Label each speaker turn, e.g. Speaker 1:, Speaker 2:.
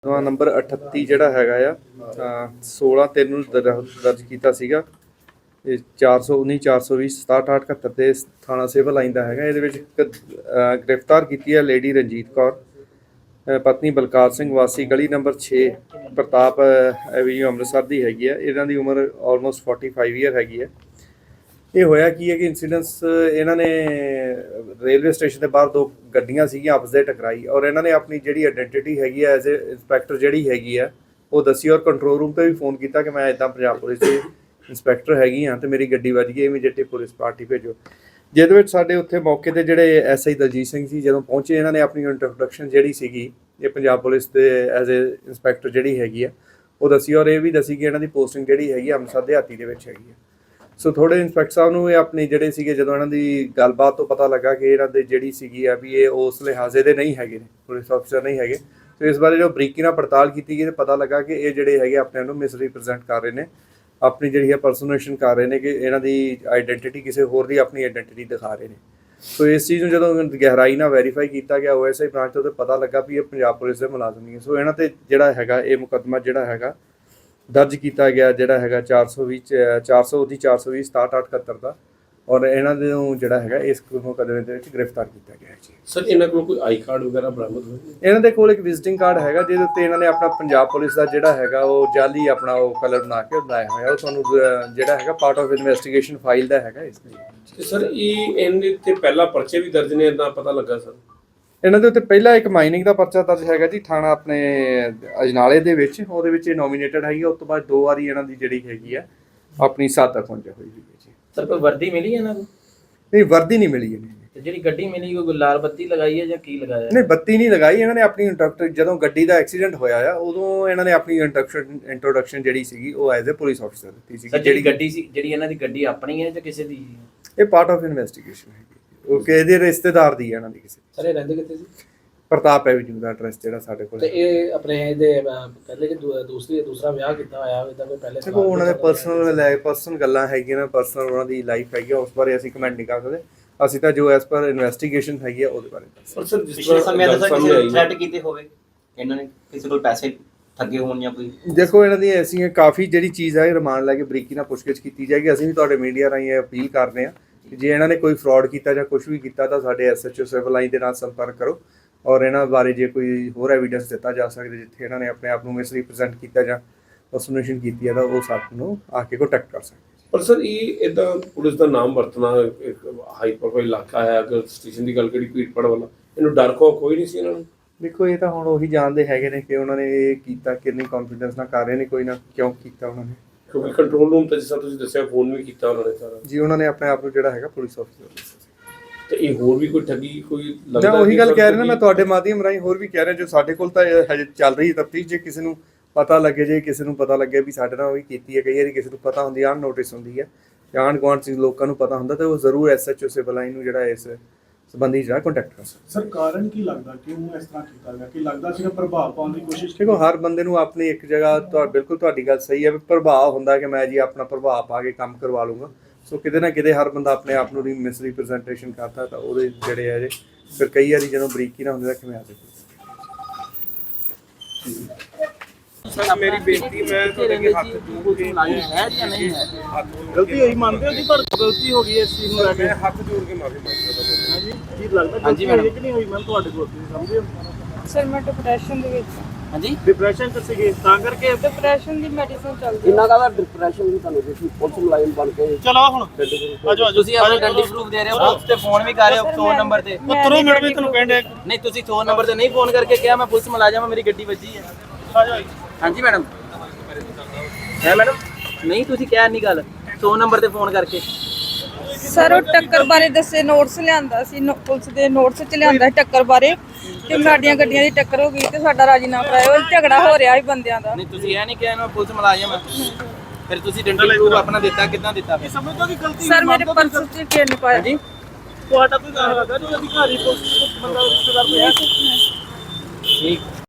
Speaker 1: Number 38 ਜਿਹੜਾ ਹੈਗਾ ਆ 16/3 ਨੂੰ ਦਰਜ ਕੀਤਾ ਸੀਗਾ। ਇਹ 419 420 6778 ਤੇ ਥਾਣਾ ਸਿਵਲ ਲਾਈਨ ਦਾ ਹੈਗਾ। ਇਹਦੇ ਵਿੱਚ ਗ੍ਰਿਫਤਾਰ ਕੀਤੀ ਹੈ ਲੇਡੀ ਰਣਜੀਤ ਕੌਰ ਪਤਨੀ ਬਲਕਾਰ ਸਿੰਘ ਵਾਸੀ ਗਲੀ ਨੰਬਰ 6 ਪ੍ਰਤਾਪ ਐਵੀਨਿਊ ਅੰਮ੍ਰਿਤਸਰ ਦੀ ਹੈਗੀ ਹੈ। ਇਹਨਾਂ ਦੀ ਉਮਰ ਆਲਮੋਸਟ 45 ਈਅਰ ਹੈਗੀ ਹੈ। ਇਹ ਹੋਇਆ ਕੀ ਹੈ ਕਿ ਇਨਸੀਡੈਂਸ ਇਹਨਾਂ ਨੇ ਰੇਲਵੇ ਸਟੇਸ਼ਨ ਦੇ ਬਾਹਰ ਦੋ ਗੱਡੀਆਂ ਸੀਗੀਆਂ ਆਪਸ ਦੇ ਟਕਰਾਈ ਔਰ ਇਹਨਾਂ ਨੇ ਆਪਣੀ ਜਿਹੜੀ ਆਇਡੈਂਟੀਟੀ ਹੈਗੀ ਹੈ ਐਜ਼ ਏ ਇੰਸਪੈਕਟਰ ਜਿਹੜੀ ਹੈਗੀ ਆ ਉਹ ਦੱਸੀ ਔਰ ਕੰਟਰੋਲ ਰੂਮ ਤੇ ਵੀ ਫੋਨ ਕੀਤਾ ਕਿ ਮੈਂ ਇੱਦਾਂ ਪੰਜਾਬ ਪੁਲਿਸ ਦੇ ਇੰਸਪੈਕਟਰ ਹੈਗੀ ਹਾਂ ਤੇ ਮੇਰੀ ਗੱਡੀ ਵੱਜ ਗਈ, ਇਮੀਡੀਏਟਲੀ ਪੁਲਿਸ ਪਾਰਟੀ ਭੇਜੋ। ਜਿਹਦੇ ਵਿੱਚ ਸਾਡੇ ਉੱਥੇ ਮੌਕੇ ਤੇ ਜਿਹੜੇ ਐਸਆਈ ਦਲਜੀਤ ਸਿੰਘ ਸੀ ਜਦੋਂ ਪਹੁੰਚੇ ਇਹਨਾਂ ਨੇ ਆਪਣੀ ਇੰਟਰੋਡਕਸ਼ਨ ਜਿਹੜੀ ਸੀਗੀ ਇਹ ਪੰਜਾਬ ਪੁਲਿਸ ਦੇ ਐਜ਼ ਏ ਇੰਸਪੈਕਟਰ ਜਿਹੜੀ ਹੈਗੀ ਆ ਉਹ ਦੱਸੀ ਔਰ ਇਹ ਵੀ ਦੱਸੀ ਕਿ ਇਹਨਾਂ ਦੀ ਪੋਸਟਿੰਗ ਜਿਹੜੀ ਹੈਗੀ ਅੰਮ੍ਰਿਤਸਰ ਦਿਹਾਤੀ ਦੇ ਵਿੱਚ ਹੈਗੀ ਆ। ਸੋ ਥੋੜੇ ਇੰਸਪੈਕਟਰ ਸਾਹਿਬ ਨੂੰ ਇਹ ਆਪਣੇ ਜਿਹੜੇ ਸੀਗੇ ਜਦੋਂ ਇਹਨਾਂ ਦੀ ਗੱਲਬਾਤ ਤੋਂ ਪਤਾ ਲੱਗਾ ਕਿ ਇਹਨਾਂ ਦੇ ਜਿਹੜੀ ਸੀਗੀ ਆ ਵੀ ਇਹ ਉਸ ਲਿਹਾਜ਼ੇ ਦੇ ਨਹੀਂ ਹੈਗੇ ਨੇ, ਪੁਲਿਸ ਅਫਸਰ ਨਹੀਂ ਹੈਗੇ। ਸੋ ਇਸ ਬਾਰੇ ਜੋ ਬਰੀਕੀ ਨਾਲ ਪੜਤਾਲ ਕੀਤੀ ਗਈ ਤੇ ਪਤਾ ਲੱਗਾ ਕਿ ਇਹ ਜਿਹੜੇ ਹੈਗੇ ਆਪਣੇ ਨੂੰ ਮਿਸਰੀਪ੍ਰੈਜ਼ੈਂਟ ਕਰ ਰਹੇ ਨੇ, ਆਪਣੀ ਜਿਹੜੀ ਹੈ ਪਰਸੋਨੇਸ਼ਨ ਕਰ ਰਹੇ ਨੇ ਕਿ ਇਹਨਾਂ ਦੀ ਆਈਡੈਂਟੀਟੀ ਕਿਸੇ ਹੋਰ ਦੀ ਆਪਣੀ ਆਈਡੈਂਟੀਟੀ ਦਿਖਾ ਰਹੇ ਨੇ। ਸੋ ਇਸ ਚੀਜ਼ ਨੂੰ ਜਦੋਂ ਗਹਿਰਾਈ ਨਾਲ ਵੈਰੀਫਾਈ ਕੀਤਾ ਗਿਆ OSI ਬ੍ਰਾਂਚ ਤੋਂ ਪਤਾ ਲੱਗਾ ਵੀ ਇਹ ਪੰਜਾਬ ਪੁਲਿਸ ਦੇ ਮੁਲਾਜ਼ਮ ਨਹੀਂ ਹੈ। ਸੋ ਇਹਨਾਂ ਤੇ ਜਿਹੜਾ ਹੈਗਾ ਇਹ ਮੁਕੱਦਮਾ ਜਿਹੜਾ ਹੈਗਾ ਦਰਜ ਕੀਤਾ ਗਿਆ ਜਿਹੜਾ ਹੈਗਾ 420 420 6778 ਦਾ ਔਰ ਇਹਨਾਂ ਦੇ ਨੂੰ ਜਿਹੜਾ ਹੈਗਾ ਇਸ ਮੁਕੱਦਮੇ ਦੇ ਵਿੱਚ ਗ੍ਰਿਫਤਾਰ ਕੀਤਾ ਗਿਆ ਹੈ ਜੀ।
Speaker 2: ਸਰ ਇਹਨਾਂ ਕੋਲ ਕੋਈ ਆਈ ਕਾਰਡ ਵਗੈਰਾ ਬਰਾਮਦ ਹੋਏ?
Speaker 1: ਇਹਨਾਂ ਦੇ ਕੋਲ ਇੱਕ ਵਿਜ਼ਿਟਿੰਗ ਕਾਰਡ ਹੈਗਾ ਜਿਹਦੇ ਉੱਤੇ ਇਹਨਾਂ ਨੇ ਆਪਣਾ ਪੰਜਾਬ ਪੁਲਿਸ ਦਾ ਜਿਹੜਾ ਹੈਗਾ ਉਹ ਜਾਲੀ ਆਪਣਾ ਉਹ ਕਲਰ ਬਣਾ ਕੇ ਲਾਇਆ ਹੋਇਆ। ਉਹ ਤੁਹਾਨੂੰ ਜਿਹੜਾ ਹੈਗਾ ਪਾਰਟ ਆਫ ਇਨਵੈਸਟੀਗੇਸ਼ਨ ਫਾਈਲ ਦਾ ਹੈਗਾ ਇਸ ਲਈ।
Speaker 2: ਤੇ ਸਰ ਇਹਦੇ ਤੇ ਪਹਿਲਾ ਪਰਚੇ ਵੀ ਦਰਜ ਨੇ ਇਦਾਂ ਪਤਾ ਲੱਗਾ ਸਰ?
Speaker 1: ਇਹਨਾਂ ਦੇ ਉੱਤੇ ਪਹਿਲਾ ਇੱਕ ਮਾਈਨਿੰਗ ਦਾ ਪਰਚਾ ਦਰਜ ਹੈਗਾ ਜੀ ਥਾਣਾ ਆਪਣੇ ਅਜਨਾਲੇ ਦੇ ਵਿੱਚ, ਉਹਦੇ ਵਿੱਚ ਇਹ ਨੋਮੀਨੇਟਡ ਹੈਗੀ। ਉਸ ਤੋਂ ਬਾਅਦ 2 ਵਾਰੀ ਇਹਨਾਂ ਦੀ ਜਿਹੜੀ ਹੈਗੀ ਆ ਆਪਣੀ ਸਾਥ ਖੁੰਝ ਹੋਈ ਹੈ ਜੀ।
Speaker 3: ਸਰ ਕੋਈ ਵਰਦੀ ਮਿਲੀ ਇਹਨਾਂ ਨੂੰ?
Speaker 1: ਨਹੀਂ ਵਰਦੀ ਨਹੀਂ ਮਿਲੀ ਇਹਨੇ।
Speaker 3: ਤੇ ਜਿਹੜੀ ਗੱਡੀ ਮਿਲੀ ਕੋਈ ਲਾਲ ਬੱਤੀ ਲਗਾਈ ਹੈ ਜਾਂ ਕੀ ਲਗਾਇਆ?
Speaker 1: ਨਹੀਂ ਬੱਤੀ ਨਹੀਂ ਲਗਾਈ ਇਹਨਾਂ ਨੇ। ਆਪਣੀ ਜਦੋਂ ਗੱਡੀ ਦਾ ਐਕਸੀਡੈਂਟ ਹੋਇਆ ਆ ਉਦੋਂ ਇਹਨਾਂ ਨੇ ਆਪਣੀ ਇੰਟਰੋਡਕਸ਼ਨ ਜਿਹੜੀ ਸੀਗੀ ਉਹ ਐਜ਼ ਏ ਪੁਲਿਸ ਅਫਸਰ ਦਿੱਤੀ ਸੀ।
Speaker 3: ਜਿਹੜੀ ਗੱਡੀ ਸੀ ਜਿਹੜੀ ਇਹਨਾਂ ਦੀ ਗੱਡੀ ਆਪਣੀ ਹੈ ਜਾਂ ਕਿਸੇ ਦੀ?
Speaker 1: ਇਹ ਪਾਰਟ ਆਫ ਇਨਵੈਸਟੀਗੇਸ਼ਨ ਹੈਗੀ। ਉਹ ਕਿਸੇ ਰਿਸ਼ਤੇਦਾਰ ਦੀ ਹੈ ਇਹਨਾਂ ਦੀ ਕਿਸੇ।
Speaker 4: ਸਰ ਇਹ ਰਹਿੰਦੇ ਕਿੱਥੇ ਸੀ?
Speaker 1: ਪ੍ਰਤਾਪ ਐਵੀਨਿਊ ਦਾ ਐਡਰੈਸ ਜਿਹੜਾ ਸਾਡੇ ਕੋਲ।
Speaker 4: ਤੇ ਇਹ ਆਪਣੇ ਇਹਦੇ ਪਹਿਲੇ ਕਿ ਦੂਸਰਾ ਵਿਆਹ ਕੀਤਾ ਹੋਇਆ ਇਹਦਾ ਕੋਈ ਪਹਿਲੇ?
Speaker 1: ਦੇਖੋ ਉਹਨਾਂ ਦੇ ਪਰਸਨਲ ਗੱਲਾਂ ਹੈਗੀਆਂ ਨਾ, ਪਰਸਨਲ ਉਹਨਾਂ ਦੀ ਲਾਈਫ ਹੈਗੀ ਉਸ ਬਾਰੇ ਅਸੀਂ ਕਮੈਂਟ ਨਹੀਂ ਕਰ ਸਕਦੇ। ਅਸੀਂ ਤਾਂ ਜੋ ਐਸ ਪਰ ਇਨਵੈਸਟੀਗੇਸ਼ਨ ਹੈਗੀ ਆ ਉਹਦੇ ਬਾਰੇ
Speaker 2: ਪਰ ਸਰ ਜਿਸ
Speaker 5: ਪਿਛਲੇ ਸਮੇਂ ਦਾ ਸਰ ਕਿਸੇ ਥ੍ਰੈਟ ਕੀਤੇ ਹੋਵੇ ਇਹਨਾਂ ਨੇ, ਕਿਸੇ ਕੋਲ ਪੈਸੇ ਠੱਗੇ ਹੋਣ ਜਾਂ ਕੋਈ?
Speaker 1: ਦੇਖੋ ਇਹਨਾਂ ਦੀ ਐਸੀ ਕਾਫੀ ਜਿਹੜੀ ਚੀਜ਼ ਹੈ ਰਿਮਾਂਡ ਲੈ ਕੇ ਬਰੀਕੀ ਨਾਲ ਪੁੱਛਗਿੱਛ ਕੀਤੀ ਜਾਏਗੀ। ਅਸੀਂ ਵੀ ਤੁਹਾਡੇ ਮੀਡੀਆ ਰਾਹੀਂ ਅਪੀਲ ਕਰਦੇ ਹਾਂ ਕਿ ਜੇ ਇਹਨਾਂ ਨੇ ਕੋਈ ਫਰਾਡ ਕੀਤਾ ਜਾਂ ਕੁਝ ਵੀ ਕੀਤਾ ਤਾਂ ਸਾਡੇ SHO ਸਿਵਲ ਲਾਈਨ ਦੇ ਨਾਲ ਸੰਪਰਕ ਕਰੋ ਔਰ ਇਹਨਾਂ ਬਾਰੇ ਜੇ ਕੋਈ ਹੋਰ ਐਵੀਡੈਂਸ ਦਿੱਤਾ ਜਾ ਸਕਦਾ ਜਿੱਥੇ ਇਹਨਾਂ ਨੇ ਆਪਣੇ ਆਪ ਨੂੰ ਮਿਸਰੀਪ੍ਰੈਜ਼ੈਂਟ ਕੀਤਾ ਜਾਂ ਪਰਸੋਨੇਸ਼ਨ ਕੀਤੀ ਹੈ ਤਾਂ ਉਹ ਸਾਥ ਨੂੰ ਆ ਕੇ ਕੰਟੈਕਟ ਕਰ ਸਕਦੇ।
Speaker 2: ਪਰ ਸਰ ਇਹ ਇਦਾਂ ਪੁਲਿਸ ਦਾ ਨਾਮ ਵਰਤਣਾ ਇੱਕ ਹਾਈ ਪ੍ਰੋਫਾਈਲ ਇਲਾਕਾ ਹੈ, ਅਗਰ ਸਟੇਸ਼ਨ ਦੀ ਗੱਲ ਕਰੀ ਭੀੜਪੜ ਵਾਲਾ, ਇਹਨੂੰ ਡਰ ਕੋਈ ਨਹੀਂ ਸੀ ਇਹਨਾਂ ਨੂੰ?
Speaker 1: ਦੇਖੋ ਇਹ ਤਾਂ ਹੁਣ ਉਹੀ ਜਾਣਦੇ ਹੈਗੇ ਨੇ ਕਿ ਉਹਨਾਂ ਨੇ ਇਹ ਕੀਤਾ ਕਿੰਨੀ ਕੌਨਫੀਡੈਂਸ ਨਾਲ ਕਰ ਰਹੇ ਨੇ, ਕੋਈ ਨਾ ਕਿਉਂ ਕੀਤਾ ਉਹਨਾਂ ਨੇ।
Speaker 2: ਕਿਉਂਕਿ ਕੰਟਰੋਲ ਰੂਮ ਤੇ ਜਿਸ ਤਰ੍ਹਾਂ ਤੁਸੀਂ ਦੱਸਿਆ ਫੋਨ ਵੀ ਕੀਤਾ ਉਹਨਾਂ ਨੇ ਸਾਰਾ ਜੀ।
Speaker 1: ਉਹਨਾਂ ਨੇ ਆਪਣੇ ਆਪ ਨੂੰ ਜਿਹੜਾ ਹੈਗਾ ਪੁਲਿਸ ਅਫਸਰ
Speaker 2: ਤੇ ਇਹ ਹੋਰ ਵੀ ਕੋਈ ਠੱਗੀ ਕੋਈ
Speaker 1: ਲੱਗਦਾ? ਉਹੀ ਗੱਲ ਕਹਿ ਰਹੇ ਨਾ ਮੈਂ ਤੁਹਾਡੇ ਮਾਧਿਅਮ ਰਾਹੀਂ ਹੋਰ ਵੀ ਕਹਿ ਰਿਹਾ ਜੋ ਸਾਡੇ ਕੋਲ ਤਾਂ ਹਜੇ ਚੱਲ ਰਹੀ ਤਫਤੀਸ਼। ਜੇ ਕਿਸੇ ਨੂੰ ਪਤਾ ਲੱਗੇ ਜੇ ਕਿਸੇ ਨੂੰ ਪਤਾ ਲੱਗੇ ਵੀ ਸਾਡੇ ਨਾਲ ਉਹੀ ਕੀਤੀ ਹੈ, ਕਈ ਵਾਰੀ ਕਿਸੇ ਨੂੰ ਪਤਾ ਹੁੰਦੀ ਆ ਨੋਟਿਸ ਹੁੰਦੀ ਹੈ ਜਾਂ ਆਂਢ ਗੁਆਂਢ ਚ ਲੋਕਾਂ ਨੂੰ ਪਤਾ ਹੁੰਦਾ ਤਾਂ ਉਹ ਜ਼ਰੂਰ SHO ਸਿਵਲ ਲਾਈਨ ਨੂੰ ਜਿਹੜਾ ਇਸ ਸੰਬੰਧੀ ਜਿਹੜਾ ਕੰਟੈਕਟ ਕਰ ਸਕਦਾ।
Speaker 6: ਸਰ ਕਾਰਨ ਕੀ ਲੱਗਦਾ ਕਿਉਂ ਇਸ ਤਰ੍ਹਾਂ ਕੀਤਾ ਗਿਆ? ਕਿ ਲੱਗਦਾ ਸੀ ਪ੍ਰਭਾਵ ਪਾਉਣ ਦੀ ਕੋਸ਼ਿਸ਼?
Speaker 1: ਦੇਖੋ ਹਰ ਬੰਦੇ ਨੂੰ ਆਪਣੀ ਇੱਕ ਜਗ੍ਹਾ ਬਿਲਕੁਲ ਤੁਹਾਡੀ ਗੱਲ ਸਹੀ ਹੈ ਵੀ ਪ੍ਰਭਾਵ ਹੁੰਦਾ ਕਿ ਮੈਂ ਜੀ ਆਪਣਾ ਪ੍ਰਭਾਵ ਪਾ ਕੇ ਕੰਮ ਕਰਵਾ ਲੂੰਗਾ। ਸੋ ਕਿਤੇ ਨਾ ਕਿਤੇ ਹਰ ਬੰਦਾ ਆਪਣੇ ਆਪ ਨੂੰ ਮਿਸਰੀਪ੍ਰੈਜ਼ੈਂਟੇਸ਼ਨ ਕਰਦਾ ਤਾਂ ਉਹਦੇ ਜਿਹੜੇ ਹੈ ਫਿਰ ਕਈ ਵਾਰੀ ਜਦੋਂ ਬਰੀਕੀ ਨਾ ਹੁੰਦੀ ਤਾਂ ਕਿਵੇਂ ਆ ਜਾਂਦੀ।
Speaker 2: ਸਰ ਮੇਰੀ ਬੇਨਤੀ ਮੈਂ ਤੁਹਾਡੇ ਅੱਗੇ ਹੱਥ ਜੋੜ ਕੇ
Speaker 3: ਹੈ ਜਾਂ ਨਹੀਂ ਹੈ?
Speaker 6: ਗਲਤੀ ਹੋਈ ਮੰਨਦੇ ਹੋ ਜੀ? ਪਰ ਗਲਤੀ ਹੋ ਗਈ ਇਸ ਚੀਜ਼ ਨੂੰ ਲੈ ਕੇ
Speaker 2: ਹੱਥ ਜੋੜ ਕੇ ਮਾਫੀ ਮੰਗਦਾ ਹਾਂ
Speaker 6: ਜੀ। ਕੀ ਲੱਗਦਾ ਗਲਤੀ ਹੋਈ ਕਿ ਨਹੀਂ ਹੋਈ? ਮੈਂ ਤੁਹਾਡੇ ਕੋਲ ਸਮਝਦੇ ਹੋ
Speaker 7: ਸਰ ਮੈਂ ਡਿਪਰੈਸ਼ਨ ਦੇ ਵਿੱਚ।
Speaker 3: ਹਾਂਜੀ
Speaker 6: ਡਿਪਰੈਸ਼ਨ ਚ ਸੀਗੇ ਤਾਂ ਕਰਕੇ
Speaker 7: ਡਿਪਰੈਸ਼ਨ ਦੀ ਮੈਡੀਸਿਨ ਚੱਲਦੀ ਹੈ।
Speaker 4: ਕਿੰਨਾ ਦਾ ਡਿਪਰੈਸ਼ਨ ਵੀ ਤੁਹਾਨੂੰ ਤੁਸੀਂ ਪੁਲਿਸ ਮੁਲਾਜ਼ਮ ਬਣ ਕੇ
Speaker 6: ਚਲੋ ਹੁਣ ਆਜੋ
Speaker 3: ਤੁਸੀਂ ਆਪਣਾ ਡੰਡੀ ਪ੍ਰੂਫ ਦੇ ਰਹੇ ਹੋ ਤੇ ਫੋਨ ਵੀ ਕਰ ਰਹੇ ਹੋ 100 ਨੰਬਰ ਤੇ।
Speaker 6: ਉਤਰੋ ਮੈਡਮ ਵੀ ਤੁਹਾਨੂੰ ਕਹਿੰਦੇ
Speaker 3: ਨਹੀਂ ਤੁਸੀਂ 100 ਨੰਬਰ ਤੇ ਨਹੀਂ ਫੋਨ ਕਰਕੇ ਕਿਹਾ ਮੈਂ ਪੁਲਿਸ ਮੁਲਾਜ਼ਮ ਮੇਰੀ ਗੱਡੀ ਵੱਜੀ ਹੈ।
Speaker 6: ਆਜੋ
Speaker 3: ਹਾਂਜੀ ਮੈਡਮ ਹੈ ਮੈਡਮ ਨਹੀਂ ਤੁਸੀਂ ਕਿਹਾ ਨਹੀਂ ਗੱਲ 100 ਨੰਬਰ ਤੇ ਫੋਨ ਕਰਕੇ।
Speaker 7: ਸਰ ਉਹ ਟੱਕਰ ਬਾਰੇ ਦੱਸੇ ਨੋਟਸ ਲਿਆਂਦਾ ਸੀ, ਪੁਲਿਸ ਦੇ ਨੋਟਸ ਚ ਲਿਆਂਦਾ ਟੱਕਰ ਬਾਰੇ ਤੇ ਸਾਡੀਆਂ ਗੱਡੀਆਂ ਦੀ ਟੱਕਰ ਹੋ ਗਈ ਤੇ ਸਾਡਾ ਰਾਜੀਨਾਮਾ ਕਰਾਇਆ। ਉਹ ਝਗੜਾ ਹੋ ਰਿਹਾ ਸੀ ਬੰਦਿਆਂ ਦਾ।
Speaker 3: ਨਹੀਂ ਤੁਸੀਂ ਇਹ ਨਹੀਂ ਕਿਹਾ ਮੈਂ ਪੁਲਿਸ ਮੁਲਾਜ਼ਮ ਹਾਂ, ਫਿਰ ਤੁਸੀਂ ਡੰਡੀ ਪ੍ਰੂਫ ਆਪਣਾ ਦਿੱਤਾ ਕਿੱਦਾਂ ਦਿੱਤਾ?
Speaker 6: ਸਮਝਦਾ ਕਿ ਗਲਤੀ
Speaker 7: ਸਰ ਮੇਰੇ ਪਰਸ ਚ ਕੀ ਨਹੀਂ ਪਾਇਆ ਜੀ।
Speaker 6: ਤੁਹਾਡਾ ਕੋਈ ਗੱਲ ਹੈਗਾ ਜੋ ਅਧਿਕਾਰੀ ਪੁਲਿਸ ਬੰਦਾ ਰਿਸ਼ਤੇਦਾਰ ਕੋਈ ਹੈ?
Speaker 3: ਠੀਕ